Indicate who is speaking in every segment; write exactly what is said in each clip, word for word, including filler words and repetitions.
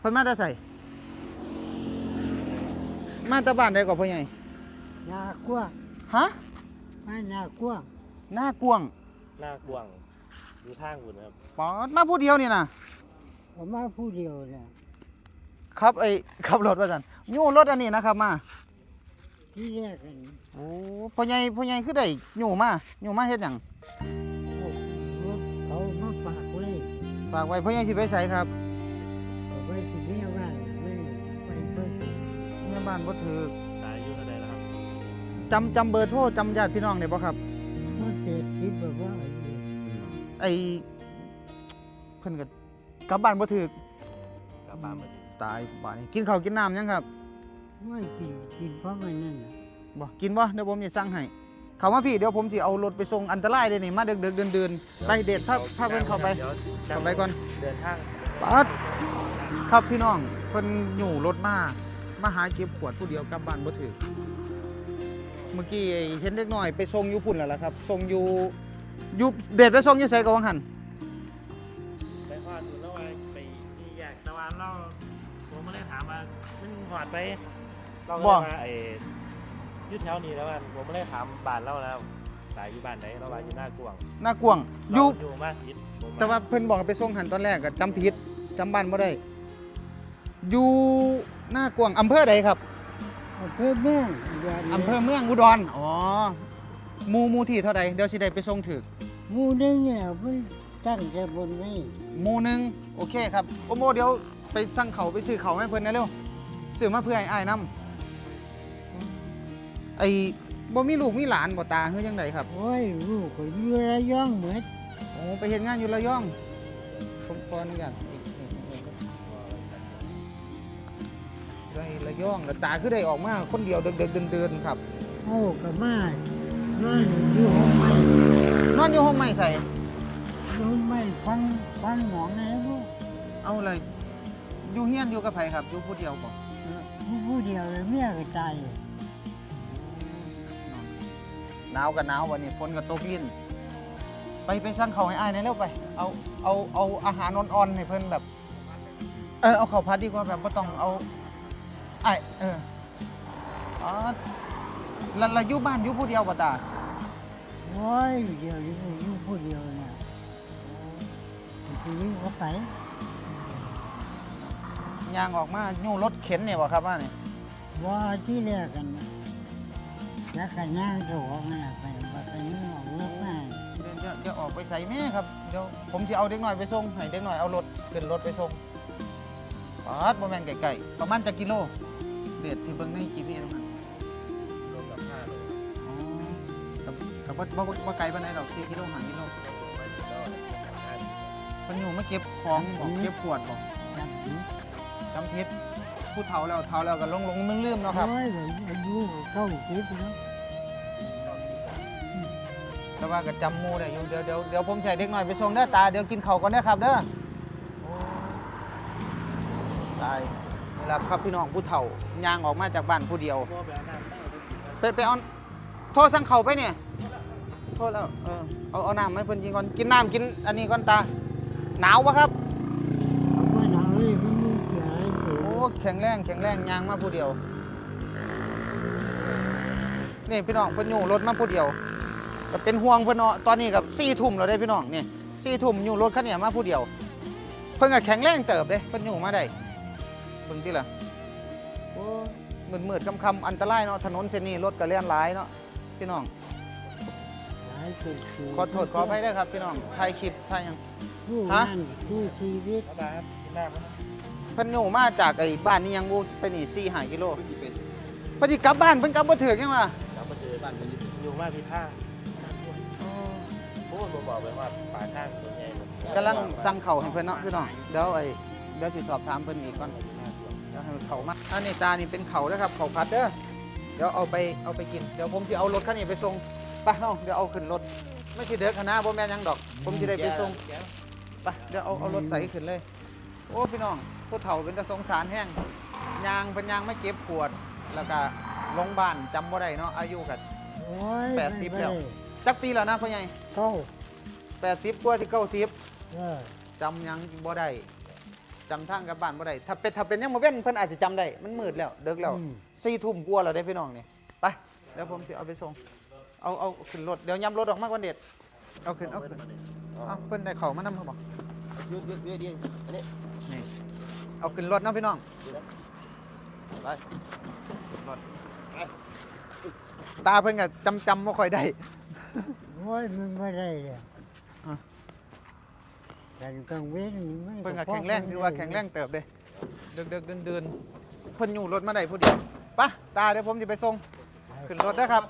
Speaker 1: เพิ่นมาแต่ใส่มาแต่บ้านใดก่อนพ่อใหญ่
Speaker 2: นากว้าง
Speaker 1: ฮะ
Speaker 2: มาหนากว้าง
Speaker 1: หน้ากวาง
Speaker 3: หน้ากวางดูทางคุณครับ
Speaker 1: ปอดมาผู้เดียวนี่นะ
Speaker 2: ผมมาผู้เดียวเนี่ย
Speaker 1: ครับไอ้ขับรถว่าซั่นโยู่รถอันนี้นะครับมา
Speaker 2: ที่แรกกัน
Speaker 1: โอ้พ่อใหญ่พ่อใหญ่คือได้โยู่มาโยู่มาเฮ็ดหยัง
Speaker 2: รถเขามาฝากไว้
Speaker 1: ฝากไว้พ่อใหญ่สิไปไสครับ
Speaker 2: เอาไว้ที่แม่บ้านไม่ไปเพิ่ม
Speaker 1: แม่บ้านบ่ถูก
Speaker 3: ตายอายุเท่าไหร่แล้วครับ
Speaker 1: จำจำเบอร์โทรจำญาติพี่น้องได้บ่ครับ
Speaker 2: เขาเจ็ดคิดแบบว่า
Speaker 1: ไอ้เพิ่นก็กลับบ้านบ่ถูก
Speaker 3: กลับบ้านมา
Speaker 1: ตายบ้านนี้กินข้าวกินน้ำยังครับ
Speaker 2: ไม่กินกินเพราะมันนั่น
Speaker 1: บ่กินบ่เดี๋ยวผมจะสั่งให้เข้ามาพี่เดี๋ยวผมสิเอารถไปส่งอันตรายเลยนี่มาดึกๆเดินๆไปเด็ดถ้าถ้าเพิ่นเข้าไปเข้าไปก่อน
Speaker 3: เดินทาง
Speaker 1: ปัดครับพี่น้องเพิ่นอยู่รถมามาหาเก็บขวดผู้เดียวกลับบ้านบ่ถือเมื่อกี้เห็นเด็กน้อยไปส่งอยู่พุ่นแล้วล่ะครับส่งอยู่อยู่เด็ดไปส่งอยู่ไสก็ว่าหั่น
Speaker 3: ไปฮอดอยู่แล้วไปสี่แยกตะวันเราผมไม่ได้ถามว่ามันหอดไปเราก็ว่าไอ้ยืดแถวนี้แล้วกันผมไม่ได้ถามบ้านเราแล้วตายอยู่บ้านไหนเราว่าอยู่หน้ากวาง
Speaker 1: หน้ากวางอยู่
Speaker 3: อยู่มากผิด
Speaker 1: แต่ว่าเพิ่นบอกไปส่งหันตอนแรกก็จำผิดจำบ้านบ่ได้อยู่หน้ากวางอำเภอใดครับ
Speaker 2: อำเภอเมือง
Speaker 1: อำเภอเมืองอุดรอ๋อหมู่หมู่ที่เท่าใดเดี๋ยวสิได้ไปส่งถึก
Speaker 2: หมู่นึงเนี่ยเพิ่นตั้งแต่บนนี้
Speaker 1: หมู่นึงโอเคครับโอโมเดี๋ยวไปสั่งเขาไปซื้อเขาให้เพิ่นนะเร็วซื้อมาเพื่อให้อ้ายนำไอ้บ่มีลูกมีหลานบ่ตาเฮือจังไดครับ
Speaker 2: โอ้ยลูกก็อยู่ระยองเหมือน
Speaker 1: โอ้ไปเฮ็ดงานอยู่ระยองผมขออนุญาตไรระยองแล้วตาคือได้ออกมาคนเดียวเดินๆเดินๆครับ
Speaker 2: โอ้ก็มานอนอยู่ห้องไม้
Speaker 1: นอนอยู่ห้องไม้ใส่
Speaker 2: ห้องไม้ฟังฟังหมองนะลูก
Speaker 1: เอาเลยอยู่เฮียนอยู่กับไผครับอยู่ผู้เดียวบ่
Speaker 2: ผู้เดียวเลยเมียก็ตาย
Speaker 1: หนาวกับหนาววันนี้ฝนกับตกลิ้นไปไปสั่งเขาให้อ้ายหน่อยเร็วไปเอาเอาเอาอาหารอ่อนๆให้เพิ่นแบบเออเอาข้าวผัดดีกว่าแบบบ่ต้องเอาไอ้เอออ๋อแล้วแล้วอยู่บ้านอยู่ผู้เดียวบ่ตา
Speaker 2: โอ้ยเดียวอยู่อยู่ผู้เดียวน่ะทีนี้เขาไป
Speaker 1: ย่างออกมายู่รถเข็นเนี่ยบ่ครับว่านี่
Speaker 2: ว่าที่แรกกันแล้วกันย่างจะออกมาไปไปนี่ออกรถมา
Speaker 1: เดี๋ยวเดี๋ยวออกไปใส่แม่ครับเดี๋ยวผมสิเอาเด็กน้อยไปส่งให้เด็กน้อยเอารถขึ้นรถไปส่งอ๋อบ่แม่นไกลๆประมาณจักกิโลเด็ดที่เบิ่งใน จี พี เอส มัน
Speaker 3: รวมกับห้าโล
Speaker 1: อ๋อกับกับบ่บ่ไกลปานใดดอกสี่กิโลห้ากิโลเพิ่นอยู่มาเก็บของบ่เก็บขวดบ่จำผิดผู้เฒ่าแล้วเฒ่าแล้วก็ลงๆลืมๆเนาะครับ
Speaker 2: โอ้ยอายุเก้าสิบแล้ว
Speaker 1: แต่ว่าก็จำหมู่ได้อยู่เดี๋ยวเดี๋ยวเดี๋ยวผมใช้เด็กน้อยไปส่งเด้อตาเดี๋ยวกินข้าวก่อนเด้อครับเด้อตายนี่ล่ะครับพี่น้องผู้เฒ่าย่างออกมาจากบ้านผู้เดียวไปไปเอาโทรสั่งข้าวไปเนี่ยโทรแล้วเออเอาเอาน้ำให้เพิ่นกินก่อนกินน้ำกินอันนี้ก่อนตาหนาวบ่ครับ
Speaker 2: ว่าหนาวเลยมันมีเสีย
Speaker 1: โอ้แข็งแรงแข็งแรงย่างมาผู้เดียวนี่พี่น้องเพิ่นอยู่รถมาผู้เดียวก็เป็นห่วงเพิ่นเนาะตอนนี้กับสี่ทุ่มแล้วได้พี่น้องนี่สี่ทุ่มอยู่รถคันนี้มาผู้เดียวเพิ่นก็แข็งแรงเติบเด้เพิ่นอยู่มาได้เบิ่งติล่ะโอ้มืดๆค่ำๆอันตรายเนาะถนนเส้นนี้รถก็เลี่ยนหลายเนาะพี่น้องขอโทษขออภัยด้วยครับพี่น้องถ่ายคลิปถ่ายหยัง
Speaker 2: ฮะผู้ชีวิต
Speaker 3: ครับกินน้ำ
Speaker 1: เพิ่นอยู่มาจากไอ้บ้านนี้ยังบ่ไปนี่สี่ห้ากิโลเพิ่นสิกลับบ้านเพิ่นกลับบ่ถึกยังว่า
Speaker 3: กลับมาเจอบ้านอยู่มาพี่ท่าโอ้ผมบอกไปว่าป่าข้างตัวใหญ่
Speaker 1: กำลังสั่งข้าวให้เพิ่นเนาะพี่น้องเดี๋ยวไอ้เดี๋ยวสิสอบถามเพิ่นอีกก่อนเดี๋ยวให้เขามาอันนี้ตานี่เป็นเขาเด้อครับเขาผัดเด้อเดี๋ยวเอาไปเอาไปกินเดี๋ยวผมสิเอารถคันนี้ไปส่งไปเฮาเดี๋ยวเอาขึ้นรถไม่สิเด้อคณะบ่แม่นหยังดอกผมสิได้ไปส่งไปเดี๋ยวเอาเอารถใส่ขึ้นเลยโอ้พี่น้องผู้เฒ่าเป็นตาสงสารแห้งยางเป็นยางไม่เก็บขวดแล้วก็ลงบ้านจำบ่ได้เนาะอายุกันแปดสิบแล้วจักปีแล้วนะพ่อใหญ่
Speaker 2: เก้า
Speaker 1: แปดสิบกว่าที่เก้าสิบจำยังบ่ได้จจำทางกลับบ้านบ่ได้ถ้าเป็นถ้าเป็นยังมาเว้นเพิ่นอาจจะจำได้มันมืดแล้วเดึกแล้ว
Speaker 2: อืม
Speaker 1: สี่ทุ่มกว่าแล้วได้พี่น้องนี่ไปเดี๋ยวผมสิเอาไปส่งเอาเอาขึ้นรถเดี๋ยวย้ำรถออกมากกว่าเด็ดเอาขึ้นเอาขึ้นเอาเพิ่นได้เข้ามานำเขาบ่
Speaker 3: ยืดยืดยืดยืดอันนี้
Speaker 1: นี่เอาขึ้นรถนะพี่น้องไปขึ้นรถตาเพิ่นก็จำจำบ่ค่อยได้
Speaker 2: โอ้ยมันไม่ได้เลย
Speaker 1: อ่ะ
Speaker 2: การกังเว้นมัน
Speaker 1: เพิ่นก็แข็งแรงถือว่าแข็งแรงเติบเด้เดินๆเดินๆเพิ่นอยู่รถมาได้ผู้เดียวไปตาเดี๋ยวผมจะไปส่งขึ้นรถนะครับ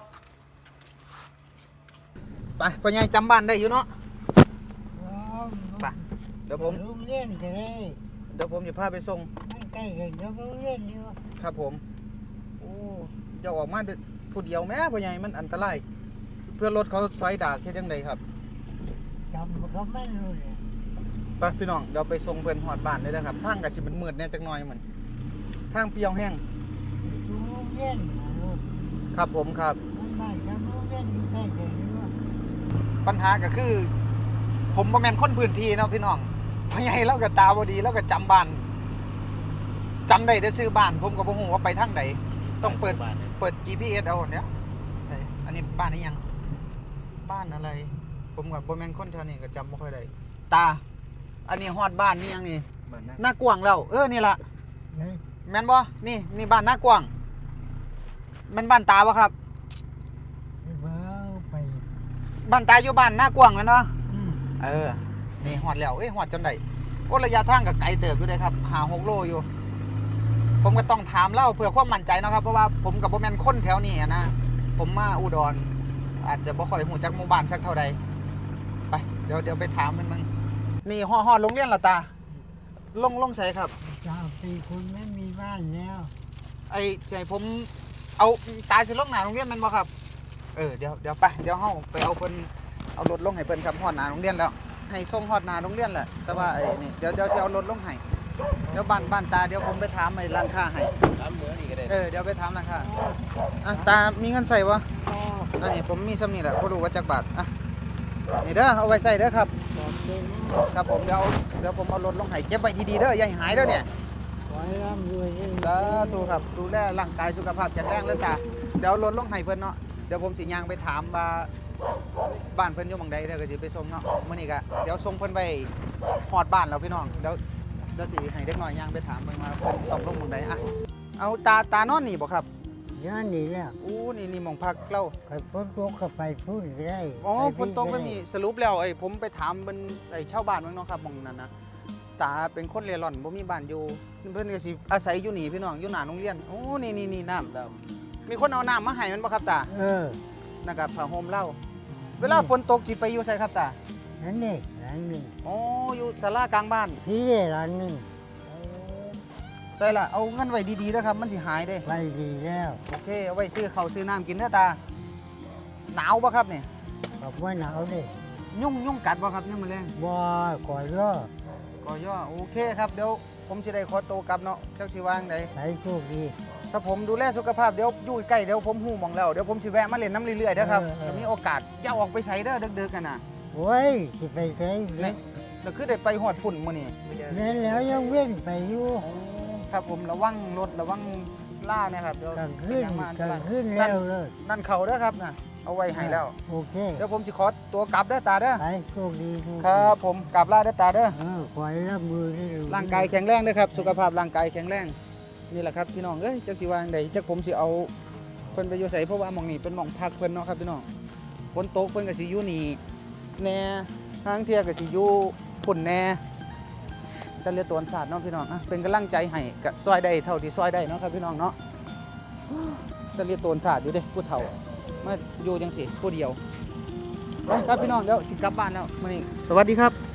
Speaker 1: ไปพ่อใหญ่จำบ้านได้อยู่เนาะไปเดี๋ยวผม
Speaker 2: โรงเรียนก็ได้
Speaker 1: เดี๋ยวผมจะพาไปส่ง
Speaker 2: มันใกล้กันกับโรงเรียนอยู่
Speaker 1: ครับผมโอ้อย่าออกมาผู้เดียวแม่พ่อใหญ่มันอันตรายเพื่อรถเขาซอยดากแค่จังใดครับ
Speaker 2: จำเขาไม่รู้เลย
Speaker 1: ไปพี่น้องเดี๋ยวไปส่งเพิ่นฮอดบ้านเลยนะครับทางก็สิมันมืดแน่จักหน่อยมันทางเปรี้ยวแห้ง
Speaker 2: อยู่โรงเรียนนะลูก
Speaker 1: ครับผมครับ
Speaker 2: มันบ้านกับโรงเรียนอยู่ใกล้กันอยู่
Speaker 1: ปัญหาก็คือ ผมบ่แม่นคนพื้นที่เนาะพี่น้องพ่อใหญ่เราก็ตาบ่ดีเราก็จำบ้านจำได้แต่ซื้อบ้าน ผมก็บ่ฮู้ว่าไปทางใดต้องเปิดเปิด จี พี เอส เอาเนี่ยใช่อันนี้บ้านนี้ยังบ้านอะไร ผมก็บ่แม่นคนแถวนี้ก็จำบ่ค่อยได้ตา อันนี้ฮอดบ้านนี่ยังนี่
Speaker 3: บ้านนะ
Speaker 1: หน้ากว้างแล้วเออนี่ล่ะ
Speaker 2: เฮ้ย
Speaker 1: แม่นบ่นี่นี่บ้านหน้ากว้างแม่นบ้านตาบ่ครับ
Speaker 2: เบาไป
Speaker 1: บ้านตาอยู่บ้านหน้ากว้างแม่นบ่
Speaker 2: อืม
Speaker 1: เออ นี่หอดแล้ว เอ้ยหอดจนได้โอ้ระยะทางกับไกลเติบอยู่เลยครับหาหกโลอยู่ ผมก็ต้องถามเล่าเพื่อความมั่นใจเนาะครับ เพราะว่าผมกับบ่แม่นคนแถวนี้อะนะ ผมมาอุดร อาจจะบ่ค่อยหูจักหมู่บ้านสักเท่าใด ไป เดี๋ยวเดี๋ยวไปถามมันมึง นี่ฮอดฮอดโรงเรียนและตา ลงลงใส่ครับ
Speaker 2: เจ้าเป็นคนไม่มีบ้านแล้ว
Speaker 1: ไอ้ใจผม เอาตาสิลงหน้าโรงเรียนแมันบ่ครับ เออ เดี๋ยวเดี๋ยวไป เดี๋ยวเฮาไปเอาเพิ่นเอารถลงให้เพิ่นครับฮอดหน้าโรงเรียนแล้ว ให้ส่งฮอดหน้าโรงเรียนแหละ แต่ว่าไอ้นี่เดี๋ยวเดี๋ยวสิเอารถลงให้ เดี๋ยวบ้านบ้านตาเดี๋ยวผมไปถามไอ้ร้านค้าให้
Speaker 3: น้ำเหนือนี่ก็ได้
Speaker 1: เออเดี๋ยวไปถามร้านค้าอ่ะตามีเงินใส่บ่
Speaker 2: อ๋อ
Speaker 1: อันนี้ผมมีซ้ำนี่แหละบ่รู้ว่าจักบาทอ่ะนี่เด้อเอาไว้ใส่เด้อครับ
Speaker 2: บอกเป็น
Speaker 1: ครับผมเดี๋ยวเอาเดี๋ยวผมเอารถลงให้เก็บไว้ดีๆเด้ออย่าให้หายเด้อเนี่ย
Speaker 2: ขอให้ร่ำรวยด้วย
Speaker 1: สาธุครับดูแลร่างกายสุขภาพแข็งแรงเลยตาเดี๋ยวเอารถลงให้เพิ่นเนาะเดี๋ยวผมสิย่างไปถามว่าบ้านเพิ่นอยู่หม่องใดเด้อก็สิไปส่งเนาะมื้อนี้ก็เดี๋ยวส่งเพิ่นไปฮอดบ้านแล้วพี่น้องเดี๋ยวเดี๋ยวสิให้เด็กน้อยย่างไปถามเพิ่นว่าเพิ่นต้องลงหม่องใดอ่ะเอาตาตานอนนี่บ่ครับ
Speaker 2: ย้อนนี่แล้ว
Speaker 1: อู้นี่นี่หม่องพักเล่า
Speaker 2: ใครฝนตกก็ไปพูดก็ได้
Speaker 1: อ๋อ
Speaker 2: ไป
Speaker 1: ฝนตกไม่มีสรุปแล้วไอ้ผมไปถามเป็นไอ้ชาวบ้านเมืองเนาะครับหม่องนั้นนะตาเป็นคนเร่ร่อนบ่มีบ้านอยู่เพิ่นก็สิอาศัยอยู่นี่พี่น้องอยู่หน้าโรงเรียนโอ้นี่นี่นี่น้ำ
Speaker 3: ด
Speaker 1: มีคนเอาน้ำมาให้มันบ่ครับตา
Speaker 2: เออ
Speaker 1: นะครับผ้าห่มเล่าเวลาฝนตกสิไปอยู่ไสครับตา
Speaker 2: นั่นนี่ร้านหนึ่ง
Speaker 1: อ๋ออยู่ศาลากลางบ้าน
Speaker 2: ที่นี่ร้านหนึ่ง
Speaker 1: ใส่ละเอาเงินไว้ดีๆนะครับมันสิหายเด้
Speaker 2: ไปดีแล้ว
Speaker 1: โอเคเอาไว้ซื้อข้าวซื้อน้ำกินเด้อตาหนาวบ่ครับเนี่ย
Speaker 2: บอกว่าหนาวดิ
Speaker 1: ยุ่งยุ่งกัดบ่ครับยังมื้อแรง
Speaker 2: บ่ก่อยย่อ
Speaker 1: ก็ย่อโอเคครับเดี๋ยวผมสิได้ขอตัวกลับเนาะจักสิวางได
Speaker 2: ไปโชคดี
Speaker 1: ถ้าผมดูแลสุขภาพเดี๋ยวอยู่ใกล้เดี๋ยวผมหูหมองแล้วเดี๋ยวผมสิแวะมาเล่นน้ำเรื่อยๆเด้อครับ
Speaker 2: เออเออ
Speaker 1: ถ้ามีโอกาสอย่าออกไปไสเด้อดึกๆกันน่ะ
Speaker 2: โอ้ยสิไปไส
Speaker 1: นี่แล้วคือได้ไปฮอดพุ่นมื้อนี้
Speaker 3: ำ
Speaker 2: นั่นแล้วยังเว้นไปอยู่
Speaker 1: ครับผมระวังรถระวังล่านะครับเดี๋ยว
Speaker 2: กลางคืน
Speaker 1: เป็หยังมาก
Speaker 2: ลางคืนแล้วเลย
Speaker 1: นั่นเขาเด้อครับน่ะเอาไว้ให้แล้ว
Speaker 2: โอเค
Speaker 1: เดี๋ยวผมสิขอตัวกลับเด้อตาเด้อ
Speaker 2: ไปโชคดีโชคดี
Speaker 1: ครับผมกลับลาเด้อตาเด้อ
Speaker 2: เออขอให้รับมือได้เว
Speaker 1: ร่างกายแข็งแรงเด้อครับสุขภาพร่างกายแข็งแรงนี่แหละครับพี่น้องเอ้ยจักสิวางใดจักผมสิเอาเพิ่นไปอยู่ไสเพราะว่าหม่องนี้เป็นหม่องพักเพิ่นเนาะครับพี่น้องฝนตกเพิ่นก็สิอยู่นี่แน่ทางเที่ยก็สิอยู่พุ่นแน่แต่เรือตวนศาสตร์เนาะพี่น้องอ่ะเป็นกำลังใจให้กับซอยได้เท่าที่ซอยได้เนาะครับพี่น้องเนาะแต่เรือตวนศาสตร์อยู่เด้ผู้เฒ่ามาอยู่จังสิผู้เดียวไปครับพี่น้องเดี๋ยวสิกลับบ้านแล้วมื้อนี้สวัสดีครับ